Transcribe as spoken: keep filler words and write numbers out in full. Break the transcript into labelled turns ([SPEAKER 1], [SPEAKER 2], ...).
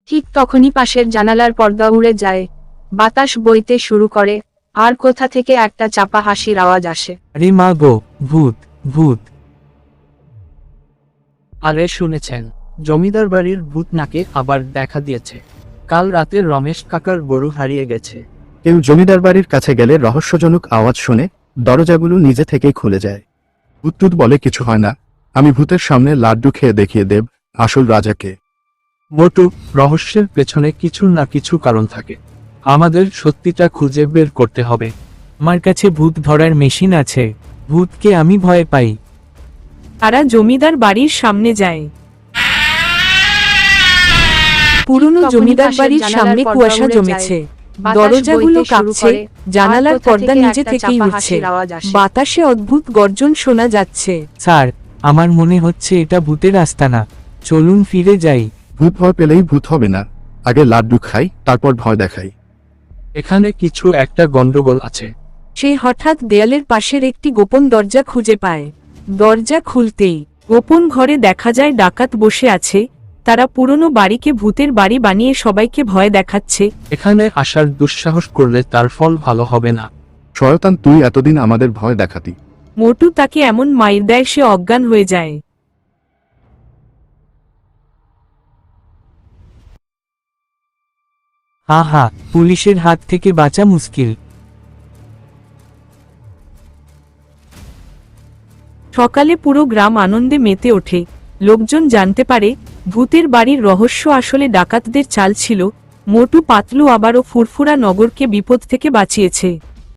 [SPEAKER 1] ঠিক তখনই পাশের জানালার পর্দা উড়ে যায়, বাতাস বইতে শুরু করে, আর কোথা থেকে একটা চাপা হাসির আওয়াজ আসে।
[SPEAKER 2] আরে মা গো, ভূত ভূত।
[SPEAKER 3] আরে শুনেছেন, জমিদার বাড়ির ভূত নাকি আবার দেখা দিয়েছে। কাল রাতে রমেশ কাকার গরু হারিয়ে গেছে।
[SPEAKER 4] কেউ জমিদার বাড়ির কাছে গেলে রহস্যজনক আওয়াজ শুনে দরজাগুলো নিজে থেকেই খুলে যায়। ভূত বলে কিছু হয় না, আমি ভূতের সামনে লাড্ডু খেয়ে দেখিয়ে দেব আসল রাজাকে।
[SPEAKER 3] মোটু, রহস্যের পেছনে কিছু না কিছু কারণ থাকে, আমাদের সত্যিটা খুঁজে বের করতে হবে।
[SPEAKER 2] আমার কাছে ভূত ধরার মেশিন আছে, ভূতকে আমি ভয় পাই।
[SPEAKER 5] তারা জমিদার বাড়ির সামনে যায়। পুরনো জমিদার বাড়ির সামনে কুয়াশা জমেছে, দরজাগুলো কাঁপছে, জানালার পর্দা নিজে থেকেই উঠছে, বাতাসে অদ্ভুত গর্জন শোনা যাচ্ছে।
[SPEAKER 2] স্যার, আমার মনে হচ্ছে এটা ভূতের আস্তানা, চলুন ফিরে যাই।
[SPEAKER 4] ভূত ভয় পেলেই ভূত হবে না, আগে লাড্ডু খাই তারপর ভয় দেখাই।
[SPEAKER 3] এখানে কিছু একটা গন্ডগোল আছে।
[SPEAKER 5] সে হঠাৎ দেয়ালের পাশের একটি গোপন দরজা খুঁজে পায়। দরজা খুলতেই গোপন ঘরে দেখা যায় ডাকাত বসে আছে। তারা পুরনো বাড়িকে ভূতের বাড়ি বানিয়ে সবাইকে ভয় দেখাচ্ছে।
[SPEAKER 3] এখানে আসার দুঃসাহস করলে তার ফল ভালো হবে না।
[SPEAKER 4] শয়তান, তুই এতদিন আমাদের ভয় দেখাতি।
[SPEAKER 5] মোটু তাকে এমন মাইর দেয় সে অজ্ঞান হয়ে যায়।
[SPEAKER 2] হা হা, পুলিশের হাত থেকে বাঁচা মুশকিল।
[SPEAKER 5] সকালে পুরো গ্রাম আনন্দে মেতে ওঠে। লোকজন জানতে পারে ভূতের বাড়ির রহস্য আসলে ডাকাতদের চাল ছিল। মোটু পাতলু আবারও ফুরফুরা নগরকে বিপদ থেকে বাঁচিয়েছে।